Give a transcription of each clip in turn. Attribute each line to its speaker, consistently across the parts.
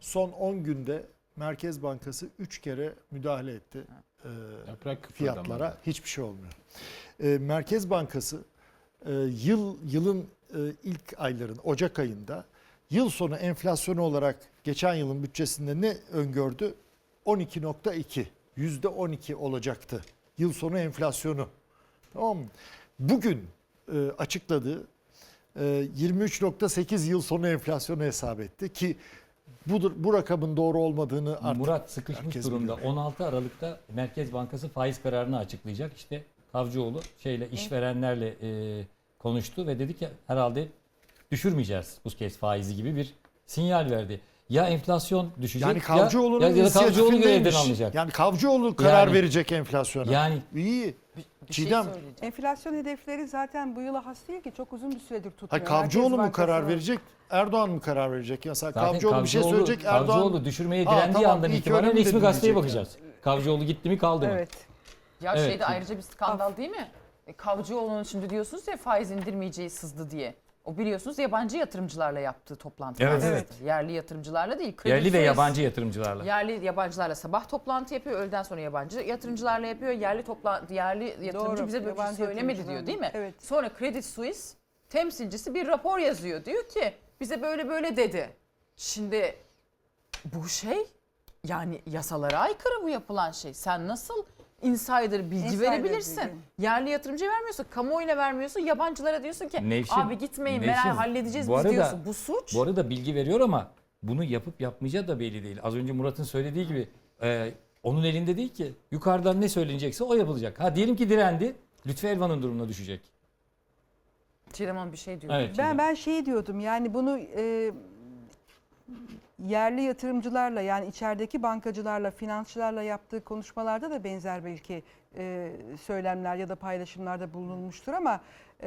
Speaker 1: son 10 günde Merkez Bankası 3 kere müdahale etti fiyatlara. Hiçbir şey olmuyor. Merkez Bankası yılın ilk ayların Ocak ayında yıl sonu enflasyonu olarak geçen yılın bütçesinde ne öngördü? 12.2, %12 olacaktı yıl sonu enflasyonu. Tamam mı? Bugün açıkladığı 23.8 yıl sonu enflasyonu hesap etti ki bu rakamın doğru olmadığını artık
Speaker 2: Murat sıkışmış durumda.
Speaker 1: biliyor.
Speaker 2: 16 Aralık'ta Merkez Bankası faiz kararını açıklayacak. İşte Kavcıoğlu işverenlerle konuştu ve dedi ki herhalde düşürmeyeceğiz bu kez faizi gibi bir sinyal verdi. Ya enflasyon düşecek
Speaker 1: Yani Kavcıoğlu'nun
Speaker 2: ya da Kavcıoğlu görevden alınacak.
Speaker 1: Yani Kavcıoğlu karar verecek enflasyona.
Speaker 2: Yani
Speaker 1: iyi.
Speaker 3: Bir şey
Speaker 1: Çiğdem.
Speaker 4: Enflasyon hedefleri zaten bu yıla has değil ki, çok uzun bir süredir tutmuyor.
Speaker 1: Hayır, Kavcıoğlu
Speaker 4: Merkez
Speaker 1: mu karar
Speaker 4: Bankası
Speaker 1: verecek? Erdoğan mı karar verecek? Mesela
Speaker 2: zaten
Speaker 1: Kavcıoğlu bir şey söyleyecek. Erdoğan
Speaker 2: Kavcıoğlu düşürmeye direndiği andan
Speaker 1: ilk
Speaker 2: itibaren
Speaker 1: öyle mi
Speaker 2: resmi
Speaker 1: dedi
Speaker 2: gazeteye
Speaker 1: diyecek
Speaker 2: bakacağız. Kavcıoğlu gitti mi kaldı mı?
Speaker 4: Evet.
Speaker 3: Ya
Speaker 2: Evet.
Speaker 3: şeyde ayrıca bir skandal değil mi? Kavcıoğlu'nun şimdi diyorsunuz ya faiz indirmeyeceği sızdı diye. O biliyorsunuz yabancı yatırımcılarla yaptığı toplantılar.
Speaker 2: Evet,
Speaker 4: evet.
Speaker 3: Yerli yatırımcılarla değil. Credit
Speaker 2: Yerli ve
Speaker 3: Suisse,
Speaker 2: yabancı yatırımcılarla.
Speaker 3: Yerli yabancılarla sabah toplantı yapıyor. Öğleden sonra yabancı yatırımcılarla yapıyor. Yerli yatırımcı
Speaker 4: Doğru,
Speaker 3: bize böyle bir şey
Speaker 4: yabancı
Speaker 3: söylemedi diyor
Speaker 4: yatırımcılarla.
Speaker 3: değil mi?
Speaker 4: Evet.
Speaker 3: Sonra Credit Suisse temsilcisi bir rapor yazıyor. Diyor ki bize böyle böyle dedi. Şimdi bu şey yani yasalara aykırı bu yapılan şey. Sen nasıl insider bilgi
Speaker 4: Insider
Speaker 3: verebilirsin?
Speaker 4: bilgi.
Speaker 3: Yerli yatırımcıya vermiyorsun, kamuoyuna vermiyorsun, yabancılara diyorsun ki abi gitmeyin meral halledeceğiz
Speaker 2: bu
Speaker 3: biz
Speaker 2: arada-
Speaker 3: diyorsun. Bu suç.
Speaker 2: Bu arada bilgi veriyor ama bunu yapıp yapmayacağı da belli değil. Az önce Murat'ın söylediği gibi onun elinde değil ki. Yukarıdan ne söylenecekse o yapılacak. Ha diyelim ki direndi. Lütfü Elvan'ın durumuna düşecek.
Speaker 3: Çiğdem Hanım bir şey diyor.
Speaker 2: Evet.
Speaker 4: Ben şey diyordum, yani bunu yerli yatırımcılarla, yani içerideki bankacılarla, finansçılarla yaptığı konuşmalarda da benzer belki söylemler ya da paylaşımlarda bulunulmuştur ama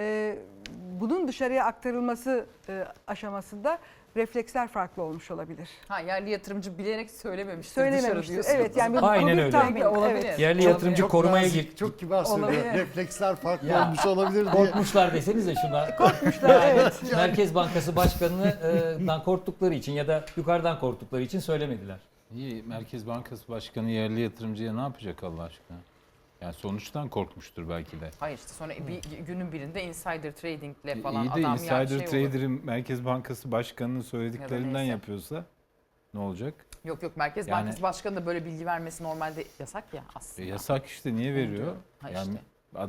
Speaker 4: bunun dışarıya aktarılması aşamasında refleksler farklı olmuş olabilir.
Speaker 3: Ha yerli yatırımcı bilerek söylememiştir.
Speaker 4: Söylememiştir.
Speaker 3: Dışarı
Speaker 4: Evet, yani
Speaker 2: Aynen
Speaker 4: bir
Speaker 2: öyle.
Speaker 4: tahmin.
Speaker 3: Olabilir.
Speaker 4: Evet.
Speaker 2: Yerli
Speaker 3: Çok-
Speaker 2: yatırımcı
Speaker 1: Çok
Speaker 2: korumaya
Speaker 1: nazik,
Speaker 2: git.
Speaker 1: çok kibar söylüyor.
Speaker 4: Olabilir.
Speaker 1: Refleksler farklı
Speaker 2: Ya.
Speaker 1: olmuş olabilir diye.
Speaker 2: Korkmuşlar desenize şuna.
Speaker 4: Korkmuşlar, evet.
Speaker 2: Merkez Bankası Başkanı'ndan korktukları için ya da yukarıdan korktukları için söylemediler.
Speaker 5: İyi, Merkez Bankası Başkanı yerli yatırımcıya ne yapacak Allah aşkına? Yani sonuçtan korkmuştur belki de.
Speaker 3: Hayır işte sonra bir günün birinde insider tradingle falan
Speaker 5: İyi de
Speaker 3: adam
Speaker 5: insider
Speaker 3: şey olur.
Speaker 5: trader'ın Merkez Bankası Başkanı'nın söylediklerinden
Speaker 3: neyse.
Speaker 5: yapıyorsa ne olacak?
Speaker 3: Yok Merkez
Speaker 5: Yani-
Speaker 3: Bankası Başkanı da böyle bilgi vermesi normalde yasak ya aslında.
Speaker 5: Yasak işte, niye veriyor?
Speaker 3: Ha
Speaker 5: Yani
Speaker 3: işte.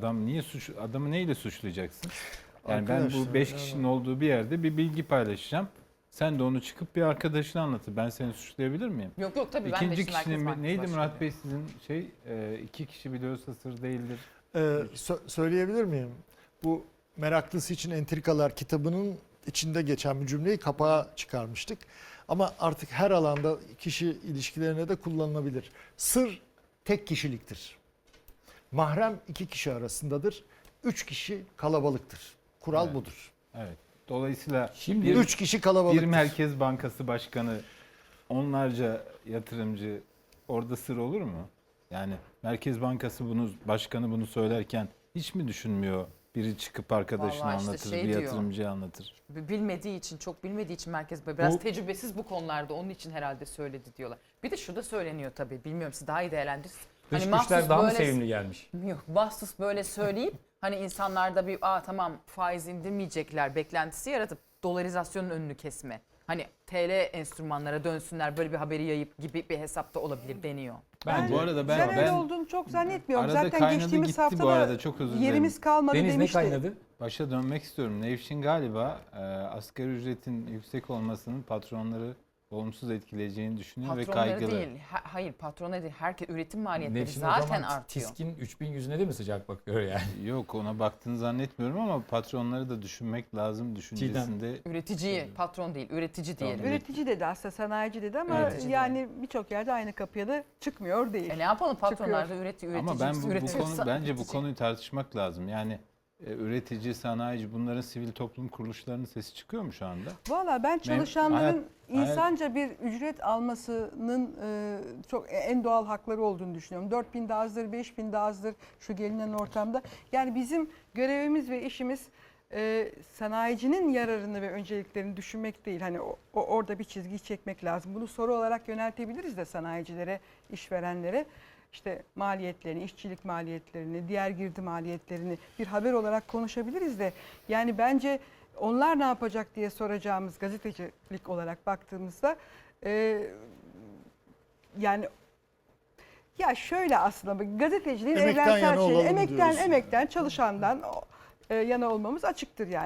Speaker 5: adamı neyle suçlayacaksın? Yani ben
Speaker 1: Arkadaşlar,
Speaker 5: bu 5 kişinin olduğu bir yerde bir bilgi paylaşacağım. Sen de onu çıkıp bir arkadaşına anlatır. Ben seni suçlayabilir miyim?
Speaker 3: Yok tabii ben de
Speaker 5: İkinci
Speaker 3: işte Merkez
Speaker 5: kişinin
Speaker 3: Bankası
Speaker 5: neydi
Speaker 3: Başkanı.
Speaker 5: Murat Bey sizin iki kişi biliyorsa sır değildir.
Speaker 1: Söyleyebilir miyim? Bu Meraklısı için Entrikalar kitabının içinde geçen bir cümleyi kapağa çıkarmıştık. Ama artık her alanda kişi ilişkilerine de kullanılabilir. Sır tek kişiliktir. Mahrem 2 kişi arasındadır. 3 kişi kalabalıktır. Kural
Speaker 5: Evet.
Speaker 1: budur.
Speaker 5: Evet. Dolayısıyla
Speaker 2: Şimdi
Speaker 5: bir-
Speaker 1: 3 kişi
Speaker 5: bir
Speaker 1: kalabalıktır.
Speaker 5: Merkez Bankası Başkanı, onlarca yatırımcı orada sır olur mu? Yani Merkez Bankası Başkanı bunu söylerken hiç mi düşünmüyor? Biri çıkıp arkadaşına
Speaker 3: Vallahi işte
Speaker 5: anlatır,
Speaker 3: şey
Speaker 5: bir
Speaker 3: diyor.
Speaker 5: yatırımcıya anlatır.
Speaker 3: Bilmediği için, çok bilmediği için Merkez Bankası biraz
Speaker 2: Bu-
Speaker 3: tecrübesiz bu konularda, onun için herhalde söyledi diyorlar. Bir de şu da söyleniyor tabii, bilmiyorum siz daha iyi değerlendirirsiniz.
Speaker 2: dış
Speaker 3: mahsus
Speaker 2: güçler daha mı
Speaker 3: böyle-
Speaker 2: sevimli gelmiş?
Speaker 3: Yok, mahsus böyle söyleyip hani insanlarda bir tamam faiz indirmeyecekler beklentisi yaratıp dolarizasyonun önünü kesme. Hani TL enstrümanlara dönsünler, böyle bir haberi yayıp gibi bir hesapta olabilir deniyor.
Speaker 5: Bu arada
Speaker 4: Ben öyle
Speaker 5: ben
Speaker 4: olduğunu çok zannetmiyorum.
Speaker 5: arada
Speaker 4: Zaten
Speaker 5: kaynadı
Speaker 4: geçtiğimiz
Speaker 5: gitti
Speaker 4: hafta
Speaker 5: bu
Speaker 4: da
Speaker 5: arada, çok özür dilerim.
Speaker 4: yerimiz kalmadı
Speaker 2: Deniz ne
Speaker 4: demişti.
Speaker 2: kaynadı?
Speaker 5: Başa dönmek istiyorum. Nevşin galiba asgari ücretin yüksek olmasının patronları olumsuz etkileyeceğini düşünüyor ve
Speaker 3: Patronları
Speaker 5: kaygılı.
Speaker 3: değil, hayır patronları değil, herkes üretim maliyetleri
Speaker 2: Nevşin o
Speaker 3: zaten
Speaker 2: zaman
Speaker 3: artıyor.
Speaker 2: TİSK'in 3100'üne de mi sıcak bakıyor yani?
Speaker 5: Yok, ona baktığını zannetmiyorum ama patronları da düşünmek lazım düşüncesinde.
Speaker 3: Üreticiyi, patron değil, üretici diyelim.
Speaker 5: Tamam.
Speaker 4: Üretici dedi aslında, sanayici dedi ama
Speaker 3: Üretici
Speaker 4: yani birçok yerde aynı kapıya da çıkmıyor değil.
Speaker 3: Ne yapalım, patronlar da üretici.
Speaker 5: Ama ben bence bu
Speaker 3: üretiyorsa-
Speaker 5: konuyu tartışmak lazım. Yani üretici, sanayici, bunların sivil toplum kuruluşlarının sesi çıkıyor mu şu anda?
Speaker 4: Valla ben çalışanların
Speaker 5: hayat-
Speaker 4: insanca bir ücret almasının çok en doğal hakları olduğunu düşünüyorum. 4.000 de azdır, 5.000 de azdır şu gelinen ortamda. Yani bizim görevimiz ve işimiz sanayicinin yararını ve önceliklerini düşünmek değil. Hani orada bir çizgi çekmek lazım. Bunu soru olarak yöneltebiliriz de sanayicilere, işverenlere. İşte maliyetlerini, işçilik maliyetlerini, diğer girdi maliyetlerini bir haber olarak konuşabiliriz de. Yani bence onlar ne yapacak diye soracağımız gazetecilik olarak baktığımızda yani ya şöyle aslında gazeteciliğin
Speaker 1: Emekten
Speaker 4: evrensel
Speaker 1: yana
Speaker 4: şeyi,
Speaker 1: olalım diyorsun.
Speaker 4: emekten çalışandan yana olmamız açıktır yani.